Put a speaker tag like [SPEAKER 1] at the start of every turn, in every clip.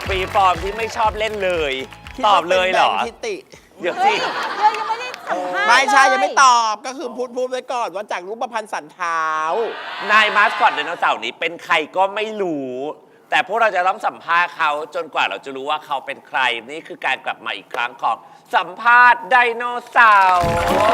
[SPEAKER 1] ฟรีฟอร์มที่ไม่ชอบเล่นเลยตอบเลยเหรอ
[SPEAKER 2] ทิติ
[SPEAKER 1] เดี๋ยว
[SPEAKER 3] เฮ้
[SPEAKER 1] สิ
[SPEAKER 3] ยเดี๋ยวยังไม่ได้สัมภาษณ์
[SPEAKER 2] ไม่ใช่
[SPEAKER 3] เล
[SPEAKER 2] ยังไม่ตอบก็คือพูดไว้ก่อนว่าจากรูปพรรณสันเท้าน
[SPEAKER 1] ายมาสคอตไดโนเสาร์นี้เป็นใครก็ไม่รู้ แต่พวกเราจะต้องสัมภาษณ์เขาจนกว่าเราจะรู้ว่าเขาเป็นใครนี่คือการกลับมาอีกครั้งของสัมภาษณ์ไดโนเสาร์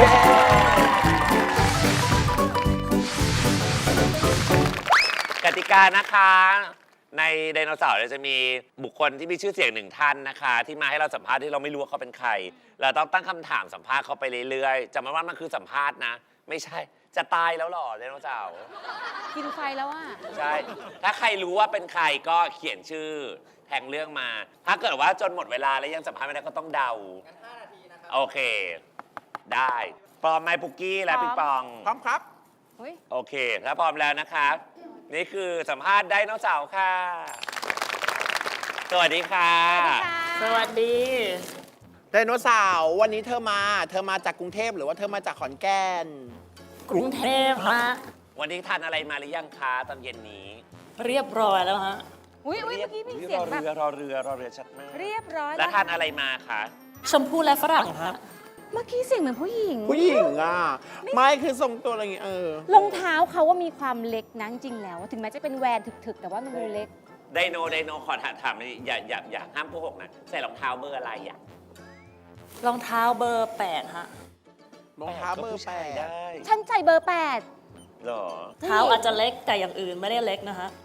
[SPEAKER 1] กติกานะคะในไดโนเสาร์จะมีบุคคลที่มีชื่อเสียงหนึ่งท่านนะคะที่มาให้เราสัมภาษณ์ที่เราไม่รู้ว่าเขาเป็นใครเราต้องตั้งคำถามสัมภาษณ์เขาไปเรื่อยๆจำไว้ว่ามันคือสัมภาษณ์นะไม่ใช่จะตายแล้วหรอไดโนเสาร์
[SPEAKER 3] กินไฟแล้วอ่ะ
[SPEAKER 1] ใช่ ถ้าใครรู้ว่าเป็นใครก็เขียนชื่อแทงเรื่องมา ถ้าเกิดว่าจนหมดเวลาแล้วยังสัมภาษณ์ไม่ได้ก็ต้องเดากัน5 นาทีนะครับโอเค ได้พร้อมไหมปุกกี้และ
[SPEAKER 3] พร้อม
[SPEAKER 1] ปิงปอง
[SPEAKER 2] พร้อมครับ
[SPEAKER 3] เฮ้ย
[SPEAKER 1] โอเค ถ้าพร้อมแล้วนะครับ นี่คือสัมภาษณ์ไดโนเสาร์ค่ะ สวัสดีค่ะ
[SPEAKER 4] สวัสดี
[SPEAKER 2] ไดโนเสาร์วันนี้เธอมาจากกรุงเทพหรือว่าเธอมาจากขอนแก่น
[SPEAKER 4] กรุงเทพฮะ
[SPEAKER 1] วันนี้ทานอะไรมาหรือยังคะตอนเย็นนี้
[SPEAKER 4] เรียบร้อยแล้วฮะ
[SPEAKER 3] อุ้ยเมื่อกี้มีเสียงแบบ
[SPEAKER 1] รอเรือชัดมาก
[SPEAKER 3] เรียบร้อย
[SPEAKER 1] แล้วทานอะไรมาคะ
[SPEAKER 4] ชมพู่และฝรั่งฮะ
[SPEAKER 3] เมื่อกี้เสียงเหมือนผู้หญิง
[SPEAKER 2] ผู้หญิงอ่ะ ไม่คือทรงตัวอะไรอย่างเงี้ย
[SPEAKER 3] รองเท้าเขาว่ามีความเล็กนะจริงๆแล้ว ถึงแม้จะเป็นแวนถึกๆ แต่ว่ามันดูเล็ก
[SPEAKER 1] ไดโนขอถามเลยอย่าห้ามโกหกนะใส่รองเท้าเบอร์อะไรอ่ะ
[SPEAKER 4] รองเท้าเบอร์ 8 ฮะ
[SPEAKER 2] รองเท้าเบอร์
[SPEAKER 1] ก็ผู้ชาย
[SPEAKER 2] 8
[SPEAKER 1] ได้
[SPEAKER 3] ฉันใจเบอร์
[SPEAKER 1] หรอ
[SPEAKER 4] เท้าอาจจะเล็กแต่อย่างอื่นไม่ได้เล็กนะฮะ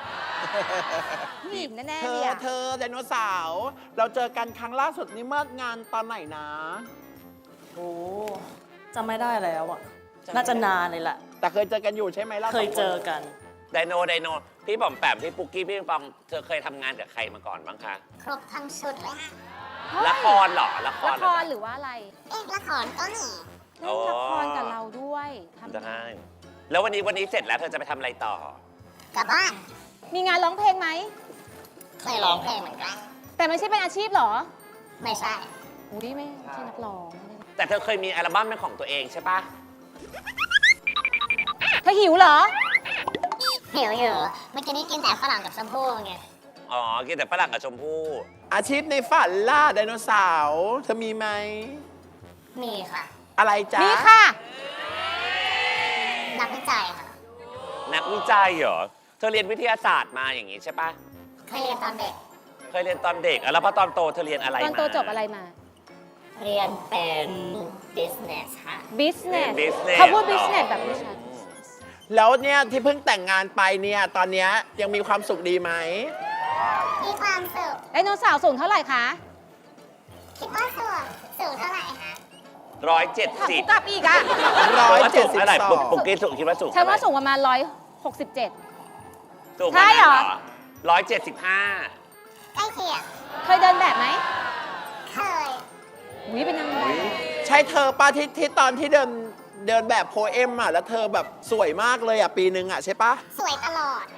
[SPEAKER 3] 8ผู้หญิงแน่
[SPEAKER 2] เธ
[SPEAKER 3] ๆ
[SPEAKER 2] อ
[SPEAKER 3] เนี่ย
[SPEAKER 2] เธอไดโนเสาร์เราเจอกันครั้งล่าสุดนี้เมื่องานตอนไหนนะ
[SPEAKER 4] โอ้จำไม่ได้แล้วอ่ะ น่าจะนานเลยแหละ
[SPEAKER 2] แต่เคยเจอกันอยู่ใช่ไหมล่ะ
[SPEAKER 4] เคยเจอกัน
[SPEAKER 1] ไดโนพี่บอมแปมพี่ปุกกี้พี่ปิงปองเธอเคยทำงานกับใครมาก่อนบ้างคะ
[SPEAKER 5] ครบทั้งชุดเลยค่ะ
[SPEAKER 1] ละครเหรอละคร
[SPEAKER 3] ละ
[SPEAKER 1] เห
[SPEAKER 3] ค
[SPEAKER 1] รอ
[SPEAKER 3] รหรือว่าอะไร
[SPEAKER 5] ละครก็มี
[SPEAKER 3] เล่นละครกับเราด้วยทำ
[SPEAKER 1] ได้แล้ววันนี้เสร็จแล้วเธอจะไปทำอะไรต่อ
[SPEAKER 5] กลับบ้าน
[SPEAKER 3] มีงานร้องเพลงไหม
[SPEAKER 5] เคยร้องเพลงเหมือนกัน
[SPEAKER 3] แต่ไม่ใช่เป็นอาชีพเหรอ
[SPEAKER 5] ไม่ใช่
[SPEAKER 3] อุ้ยไม่ใช่นักร้องไม่ได้
[SPEAKER 1] แต่เธอเคยมีอัลบั้มเป็นของตัวเองใช่ปะ
[SPEAKER 3] เธอหิวเหรอ
[SPEAKER 5] หิวอยู่เมื่อกี้นี้กินแต่ฝรั่งกับชมพู่ไง
[SPEAKER 1] อ๋อกินแต่ฝรั่งกับชมพู่
[SPEAKER 2] อาชีพในฝันล่าไดโนเสาร์เธอมีไหม
[SPEAKER 5] มีค่ะ
[SPEAKER 2] อะไรจ๊ะ
[SPEAKER 3] มีค่ะ
[SPEAKER 5] นักวิจัยค่ะ
[SPEAKER 1] นักวิจัยเหรอเธอเรียนวิทยาศาสตร์มาอย่างงี้ใช่ปะ
[SPEAKER 5] เคยเรียนตอนเด็ก
[SPEAKER 1] เคยเรียนตอนเด็กแล้วพอตอนโตเธอเรียนอะไร
[SPEAKER 3] ตอน
[SPEAKER 1] มา
[SPEAKER 3] โตจบอะไรมา
[SPEAKER 5] เรียนเป็น business ค่ะ
[SPEAKER 3] business
[SPEAKER 1] บิสเนส
[SPEAKER 3] เขาพูด business แบบไม่ชัด
[SPEAKER 2] แล้วเนี่ยที่เพิ่งแต่งงานไปเนี่ยตอนเนี้ยยังมีความสุขดีไหม
[SPEAKER 5] มีความสุข
[SPEAKER 3] ไดโนเสาร์สูงเท่าไหร่คะ
[SPEAKER 5] คิดว่าสูงเท่าไหร่คะ
[SPEAKER 3] ถามกู
[SPEAKER 1] 170
[SPEAKER 3] กลับอีกอ่ะ
[SPEAKER 1] เท่าไหร่
[SPEAKER 2] 172
[SPEAKER 1] ปุกกี้สุคิดว่าสูง
[SPEAKER 3] ฉันว่า
[SPEAKER 1] เท่
[SPEAKER 3] สู
[SPEAKER 1] ไห
[SPEAKER 3] งประมาณ167
[SPEAKER 1] สูง
[SPEAKER 3] ใช่เหรอ
[SPEAKER 1] 175
[SPEAKER 5] ใกล้เคียง
[SPEAKER 3] เคยเดินแบบไหม
[SPEAKER 5] เคย
[SPEAKER 3] อุ้ยเป็นนางแบบ
[SPEAKER 2] ใช่เธอป้าที่ตอนที่เดินแบบโพเอมอ่ะแล้วเธอแบบสวยมากเลยอ่ะปีนึงอ่ะใช่ปะ
[SPEAKER 5] สวยตลอด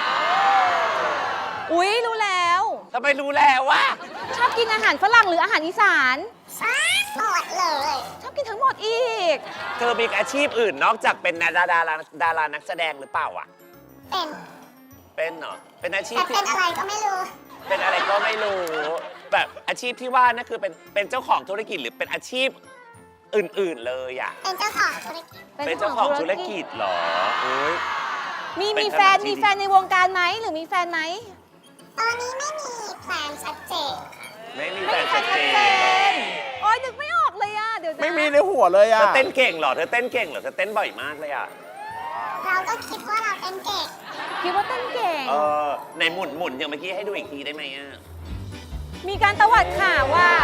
[SPEAKER 3] อุ้ยรู้แล้ว
[SPEAKER 1] ทำไมรู้แล้ววะ
[SPEAKER 3] ชอบกินอาหารฝรั่งหรืออาหารอีสาน
[SPEAKER 5] หมดเลย
[SPEAKER 3] ชอบกินทั้งหมดอีก
[SPEAKER 1] เธอมีอาชีพอื่นนอกจากเป็นดารานักแสดงหรือเปล่าอ่ะ
[SPEAKER 5] เป็น
[SPEAKER 1] เป็นเหรอ เป็นอาชีพ
[SPEAKER 5] แต่
[SPEAKER 1] ที่
[SPEAKER 5] เป็นอะไรก็ไม่รู้
[SPEAKER 1] เป็นอะไรก็ไม่รู้ แบบอาชีพที่ว่านั่นคือเป็นเจ้าของธุรกิจหรือเป็นอาชีพอื่นๆเลยอ่ะ
[SPEAKER 5] เป็นเจ้าของธุรกิจ
[SPEAKER 1] เป็นเจ้าของธุรกิจเหรอโอ้ย
[SPEAKER 3] มี
[SPEAKER 1] เป็น
[SPEAKER 3] มีแฟน
[SPEAKER 1] ขนาดที่
[SPEAKER 3] มีแฟนในวงการไหมหรือมีแฟนไหม
[SPEAKER 5] ตอนนี้ไม่มีแพลนชัดเจนค่ะ
[SPEAKER 1] ไม่มี
[SPEAKER 3] ไม่
[SPEAKER 1] แฟน
[SPEAKER 3] มีแฟ
[SPEAKER 1] ชั
[SPEAKER 3] น
[SPEAKER 1] ด
[SPEAKER 3] ชัด
[SPEAKER 1] เจ
[SPEAKER 3] เจ
[SPEAKER 1] น
[SPEAKER 3] นโอ๊ยนึกไม่ออกเลยอ่ะเดี๋ยวนะ
[SPEAKER 2] ไม่มีในหัวเลย
[SPEAKER 1] เธ
[SPEAKER 2] อ่ะ
[SPEAKER 1] อเต้นเก่งเหรอ เธอเต้นเก่งเหรอ เธอเต้นบ่อยมากเลยอ่ะ
[SPEAKER 5] เราก็คิดว่าเราเป็นเก่ง
[SPEAKER 3] คิดว่าเต้นเก่ง
[SPEAKER 1] ในหมุนอย่างเมื่อกี้ให้ดูอีกทีได้ไหมอ่ะ
[SPEAKER 3] มีการตวัดข่าวว่า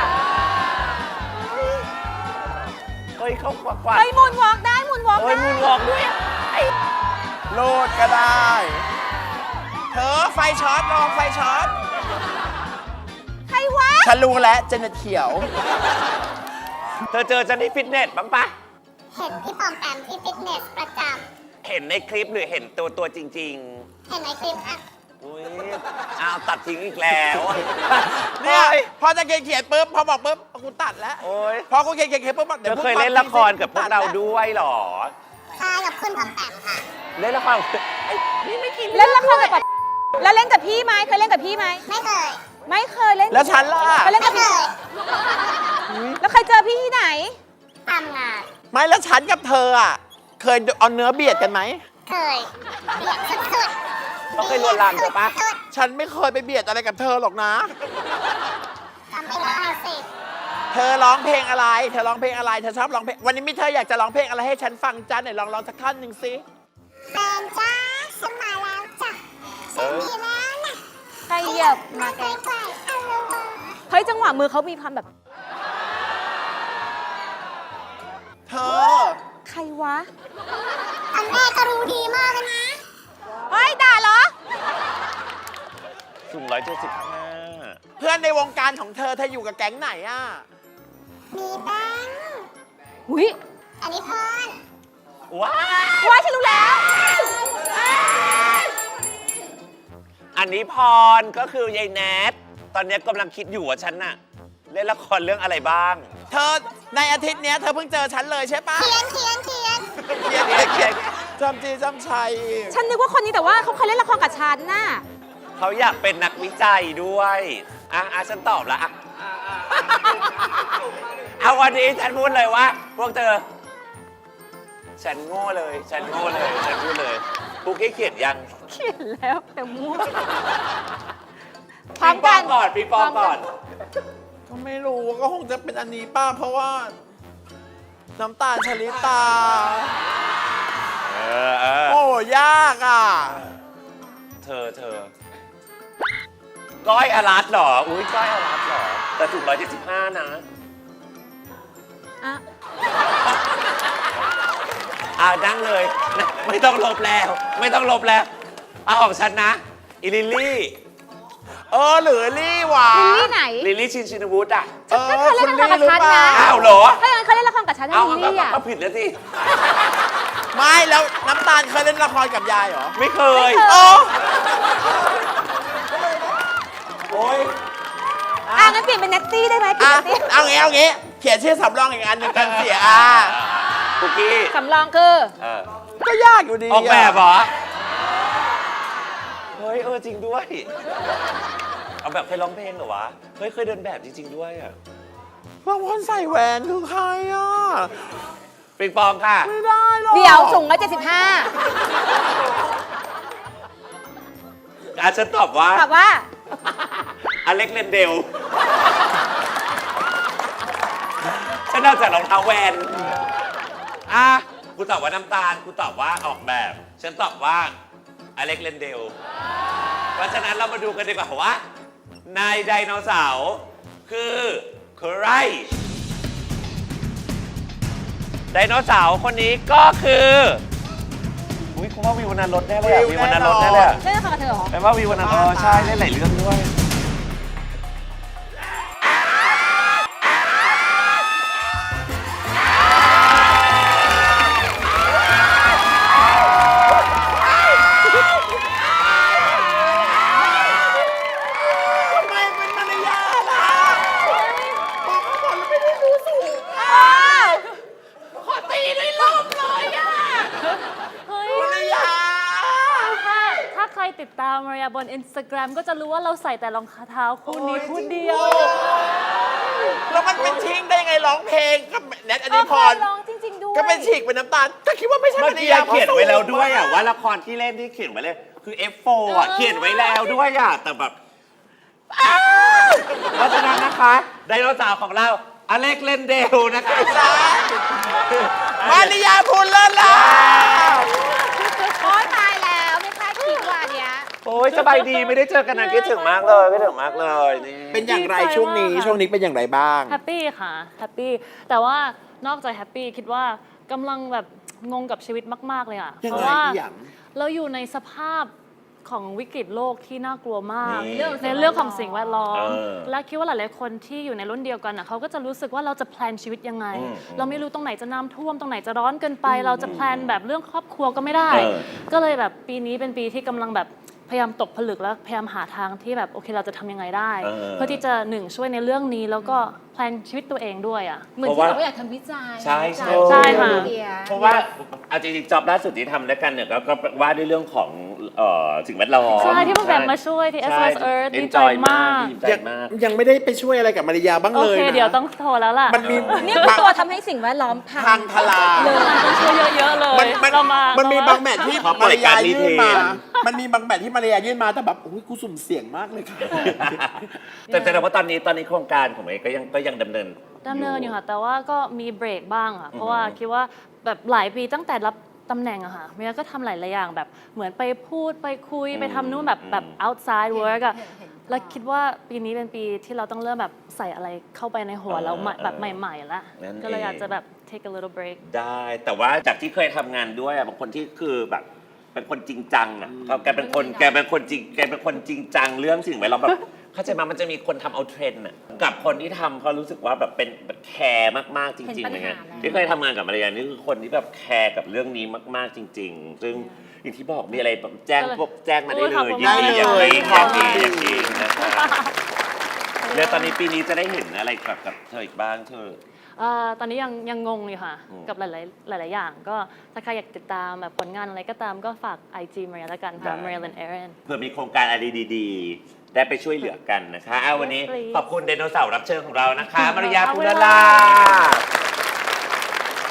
[SPEAKER 1] เฮ้ยเขากวาด
[SPEAKER 3] เฮ้ยมูนวอล์กได้มูนวอล์ก
[SPEAKER 1] เฮ้ย
[SPEAKER 3] ได้
[SPEAKER 1] มุนวอกด้วยอะ
[SPEAKER 2] โลดก็ได้ เธอไฟช็อตลองไฟช็อต
[SPEAKER 3] ใครวะ
[SPEAKER 2] ฉันรู้แล้วเจเน็ตเขียว
[SPEAKER 1] เธอเจอฉันที่ฟิตเนสบ้างปะ
[SPEAKER 5] เห็นพี่ปอมแปมที่ฟิตเนสประจ
[SPEAKER 1] เห็นในคลิปหรือเห็นตัวจริง
[SPEAKER 5] ำเห็นในคลิปค่ะ
[SPEAKER 1] ๆอุ้ยอ้าวตัดทิ้งอีกแล้ว
[SPEAKER 2] เนี่ยพอจะเขียนปุ๊บพอบอกปุ๊บกูตัดแล้ว
[SPEAKER 1] โอ้ย
[SPEAKER 2] พอกูเขียนปุ๊บ
[SPEAKER 1] เธอเคยเล่นละครกับพวกเราด้วยเหรอ
[SPEAKER 5] คล้ายกับคุณปอมแปมค่ะ
[SPEAKER 1] เล่นละครไอ้นี่ไม่กิน
[SPEAKER 3] เล่นละครกับแล้วเล่นกับพี่ไหมเคยเล่นกับพี่ไหม
[SPEAKER 5] ไม่เคย
[SPEAKER 3] ไม่
[SPEAKER 2] แล้วฉันล่ะ
[SPEAKER 3] ไปเล่นกับพี่แล้วใครเจอพี่ที่ไหน
[SPEAKER 5] ทำงาน
[SPEAKER 2] ไม่แล้วฉันกับเธออ่ะ เคยเอาเนื้อเบียดกันไหม
[SPEAKER 5] เคยเบียดสุด
[SPEAKER 1] เขาเคยลวนลามเธอปะ
[SPEAKER 2] ฉันไม่เคยไปเบียดอะไรกับเธอหรอกนะ
[SPEAKER 5] ๆทำไปแล้วสิ
[SPEAKER 2] เธอร้องเพลงอะไร เธอร้องเพลงอะไร เธอชอบร้องเพลง วันนี้มิเธออยากจะร้องเพลงอะไรให้ฉันฟังจ้าไหนลองสักท่อนหนึ่งสิ
[SPEAKER 5] แฟนจ้าฉันมาแล้วจ้ะฉันมีแล้วนะ
[SPEAKER 3] ใครเหยียบมาแก
[SPEAKER 5] ใกล้ๆเอาลงมา
[SPEAKER 3] เฮ้ยจังหวะมือเขามีความแบบ
[SPEAKER 2] เธอ
[SPEAKER 3] ใครวะ
[SPEAKER 5] อันแม่ก็รู้ดีมากเลยนะ
[SPEAKER 3] เฮ้ยด่าเหรอ
[SPEAKER 1] สูง175
[SPEAKER 2] เพื่อนในวงการของเธออยู่กับแก๊งไหนอ่ะ
[SPEAKER 5] มีแบงค์
[SPEAKER 3] อุ้ย
[SPEAKER 5] อันนี้พร
[SPEAKER 1] ว้า
[SPEAKER 3] ว้ายฉันรู้แล้ว
[SPEAKER 1] อันนี้พรก็คือยายแนทตอนนี้กำลังคิดอยู่ว่าฉันน่ะเล่นละครเรื่องอะไรบ้าง
[SPEAKER 2] เธอในอาทิตย์เนี้ยเธอเพิ่งเจอฉันเลยใช่ปะ
[SPEAKER 5] เขียน
[SPEAKER 2] เขียนจำจีจำชัย
[SPEAKER 3] ฉันนึกว่าคนนี้แต่ว่าเขาเคยเล่นละครกับฉันน่ะ
[SPEAKER 1] เขาอยากเป็นนักวิจัยด้วยฉันตอบละเอาวันนี้ฉันพูดเลยว่า พวกเธอ ฉันโง่เลย ฉันพูดเลยปุ๊กกี้เขียนยัง
[SPEAKER 3] เขียนแล้วแต่มั่วพร้
[SPEAKER 1] ปิ
[SPEAKER 3] อม
[SPEAKER 1] งป
[SPEAKER 3] กั
[SPEAKER 1] อน งก่อนปิงปองก่อน
[SPEAKER 2] ก็ไม่รู้ก็คงจะเป็นอันนี้ป้าเพราะว่า น้ำตาลชลิตา โอ้ยากอ่ะ
[SPEAKER 1] เธอก้อยอารัตเหรอ อุ้ยก้อยอารัตเหรอ แต่สูง175นะ
[SPEAKER 3] อ่ะ
[SPEAKER 1] นั่งเลยนะไม่ต้องลบแล้ว เอาออกฉันนะ อีลิลลี่
[SPEAKER 2] หรือลี่หวา
[SPEAKER 3] ลิลลี่ไหน
[SPEAKER 1] ลิลลี่ชินวุฒิอ่ะ
[SPEAKER 3] ก็เคยเล่นละครกับฉันนะ
[SPEAKER 1] อ้าวเหรอ
[SPEAKER 3] ถ้าอย่างนั้นเขาเล่นละครกับฉันนะ
[SPEAKER 1] เอา
[SPEAKER 3] ลิลลี่อ่ะ
[SPEAKER 1] ก็ผิดแล้วสิ
[SPEAKER 2] ไม่แล้วน้ำตาลเคยเล่นละครกับยายเหรอ
[SPEAKER 1] ไม่เคย
[SPEAKER 2] โอ้
[SPEAKER 1] โอ้ย
[SPEAKER 3] งั้นเปลี่ยนเป็นเนตตี้ได้ไหมเปลี่ย
[SPEAKER 2] อะ
[SPEAKER 3] นเป็นเนตตี้
[SPEAKER 2] เอางี้ เขียนชื่อสำรองอีกอันหนึ่งกันเสีย
[SPEAKER 1] คุกกี้
[SPEAKER 3] สำรองคือ
[SPEAKER 2] ก็ยากอยู่ดี
[SPEAKER 1] ออกแบบเหรอ เฮ้ยจริงด้วย เอาแบบเคยร้องเพลงเหรอวะ เฮ้ยเคยเดินแบบจริงๆด้วยอ่ะ
[SPEAKER 2] บางคนใส่แหวนคือใครอ่ะ
[SPEAKER 1] ปิงปองค่ะ
[SPEAKER 2] ไม่ได้หรอก
[SPEAKER 3] เดี๋ยวสูง175
[SPEAKER 1] ฉันตอบว่า
[SPEAKER 3] ถามว่า
[SPEAKER 1] อเล็กเลนเดล ฉันเอาจากรองเท้าแวนกูตอบว่าน้ำตาล กูตอบว่าออกแบบ ฉันตอบว่าอเล็กเลนเดล เพราะฉะนั้นเรามาดูกันดีกว่าว่านายไดโนเสาร์คือใคร ไดโนเสาร์คนนี้ก็คืออุ้ยคุณว่าวิวนันรถแน่เลยอะวิวนันรถแน่เลยอะ
[SPEAKER 3] เล่นละครกับเธอเหรอ
[SPEAKER 1] แปลว่าวิวนันใช่เล่นหลายเรื่องด้วย
[SPEAKER 2] ทำไมเป็นมารยาทอ่ะบอกเขาก่อนแล้วไม่ได้รู้สูงขอตีด้วยลมเลยอ่ะ
[SPEAKER 4] เฮ้ย
[SPEAKER 2] มารยาท
[SPEAKER 4] ถ้าใครติดตามมาริยาบน Instagram ก็จะรู้ว่าเราใส่แต่รองเท้าคู่นี้คู่เดียว
[SPEAKER 2] แล้วมันเป็นชิงได้ไงร้องเพลงกับแนทอนิพร
[SPEAKER 3] ร้องจริง ๆ ด้วย
[SPEAKER 2] ก็เป็นฉีกเป็นน้ำตาลก็คิดว่าไม่ใช่
[SPEAKER 1] เมื่
[SPEAKER 2] มาร
[SPEAKER 1] อกี้
[SPEAKER 2] ยาท
[SPEAKER 1] เขียนไว้แล้วด้วยอ่ะว่าละครที่เล่นที่เขียนไว้เลย คือ F4 อ่ะเขียนไว้แล้วด้วยอ่ะแต่แบบเพราะฉะนั้นนะคะไดโนเสาร์ของเราอเล็กเลนเดลนะคะ
[SPEAKER 2] มารยาพูดเลิศแล้ว
[SPEAKER 3] โอ๊ยตายแล้วไม่คาดคิดว่าเนี้ย
[SPEAKER 1] โอ้ยสบายดีไม่ได้เจอกันนานคิดถึงมากเลยคิดถึงมากเลยนี่
[SPEAKER 2] เป็นอย่างไร
[SPEAKER 4] ดีใจ
[SPEAKER 2] ช่วงนี้
[SPEAKER 4] มากค่ะ
[SPEAKER 2] ช่วงนี้เป็นอย่างไรบ้าง
[SPEAKER 4] แฮปปี้ค่ะแฮปปี้แต่ว่านอกจากแฮปปี้คิดว่ากำลังแบบงงกับชีวิตมาก ๆ เลยอ่ะ
[SPEAKER 2] ยังไง
[SPEAKER 4] เพราะว่า
[SPEAKER 2] อีหยัง
[SPEAKER 4] เราอยู่ในสภาพของวิกฤตโลกที่น่ากลัวมาก
[SPEAKER 1] นี่
[SPEAKER 4] ในเรื่องของสิ่งแวดล้อม
[SPEAKER 1] เออ
[SPEAKER 4] และคิดว่าหลาย ๆ คนที่อยู่ในรุ่นเดียวกันอ่ะเขาก็จะรู้สึกว่าเราจะแพลนชีวิตยังไง เราไม่รู้ตรงไหนจะน้ำท่วมตรงไหนจะร้อนเกินไป เราจะแพลนแบบเรื่องครอบครัวก็ไม่ได้ ก็เลยแบบปีนี้เป็นปีที่กำลังแบบพยายามตกผลึกแล้วพยายามหาทางที่แบบโอเคเราจะทำยังไงได้ เพื่อที่จะช่วยในเรื่องนี้แล้วก็แพลนชีวิตตัวเองด้วยอ่ะ
[SPEAKER 3] เหมือนที่เราก็อยากทำวิจัย
[SPEAKER 1] ใช่ใช่
[SPEAKER 4] ใช่ค่ะ
[SPEAKER 3] เดีย
[SPEAKER 1] เพราะว่าเอาจริงๆจ็อบล่าสุดที่ทำด้วยกันเนี่ยก็ว่าด้วยเรื่องของสิ่งแวดล้อม
[SPEAKER 4] ใช่ที่มันแบบมาช่วยที่ SOS Earth ดีใจมาก
[SPEAKER 1] ดีใจมาก
[SPEAKER 2] ยังไม่ได้ไปช่วยอะไรกับมาริยาบ้าง
[SPEAKER 4] โอ
[SPEAKER 2] เลย
[SPEAKER 4] เค
[SPEAKER 2] นะ
[SPEAKER 4] เดี๋ยวต้องโทรแล้วล่ะ
[SPEAKER 2] มันมี
[SPEAKER 3] นี่คือตัวทำให้สิ่งแวดล้อมพั
[SPEAKER 2] พั
[SPEAKER 3] ง
[SPEAKER 2] งทลาย
[SPEAKER 4] ต้องช่วยเยอะๆเลย
[SPEAKER 2] มัน
[SPEAKER 4] เรามี
[SPEAKER 2] บางแมทที่
[SPEAKER 1] ขอปล่
[SPEAKER 2] มา
[SPEAKER 1] อย
[SPEAKER 2] ริยา
[SPEAKER 1] การรี
[SPEAKER 2] ยื่นมา
[SPEAKER 1] เทน
[SPEAKER 2] มันมีบางแมทที่มาริยายื่นมาแต่แบบอุ้ยกูสุ่มเสี่ยงมากเลยค่ะ
[SPEAKER 1] แต่แสดงว่าตอนนี้โครงการของเอก็ยังดำเนิน
[SPEAKER 4] อยู่ค่ะ แต่ว่าก็มีเบรกบ้างค่ะเพราะว่าคิดว่าแบบหลายปีตั้งแต่รับตำแหน่งอะค่ะเมียก็ทำหลายๆอย่างแบบเหมือนไปพูดไปคุยไปทำนู่นแบบ outside work อะแล้วคิดว่าปีนี้เป็นปีที่เราต้องเริ่มแบบใส่อะไรเข้าไปในหัวเราแบบใหม่ๆแล้ว
[SPEAKER 1] นั่นเอง
[SPEAKER 4] ก็เลยอยากจะแบบ take a little break
[SPEAKER 1] ได้แต่ว่าจากที่เคยทำงานด้วยบางคนที่คือแบบเป็นคนจริงจังอ่ะแกเป็นคนจริงจังเรื่องสิ่งแวดล้อมแบบเข้าใจมามันจะมีคนทำเอาเทรนด์อ่ะกับคนที่ทำเขารู้สึกว่าแบบเป็นแคร์มากๆจริงๆอะไรเงี้ยที่เคยทำงานกับมาริยานี่คือคนที่แบบแคร์กับเรื่องนี้มากๆจริง ๆ ซึ่งอย่างที่บอกมีอะไรแบบแจ้งมาได้เลยยินดีอย่างยิ่งนะคะแล้วตอนนี้ปีนี้จะได้เห็นอะไรกับเธออีกบ้างเธอ
[SPEAKER 4] ตอนนี้ยังงงอยู่ค่ะ กับหลายๆอย่างก็ถ้าใครอยากติดตามแบบผลงานอะไรก็ตามก็ฝาก IG มาริยาละกันค่ะ Marilyn Aaron
[SPEAKER 1] เพื่อมีโครงการอะไรดีๆ ได้ไปช่วยเหลือกันนะคะวันนี้ขอบคุณไดโนเสาร์รับเชิญของเรานะคะมาริยา
[SPEAKER 4] ขอบ
[SPEAKER 1] ปุ
[SPEAKER 4] คุณ
[SPEAKER 1] ร
[SPEAKER 4] ค่ะ
[SPEAKER 1] ลา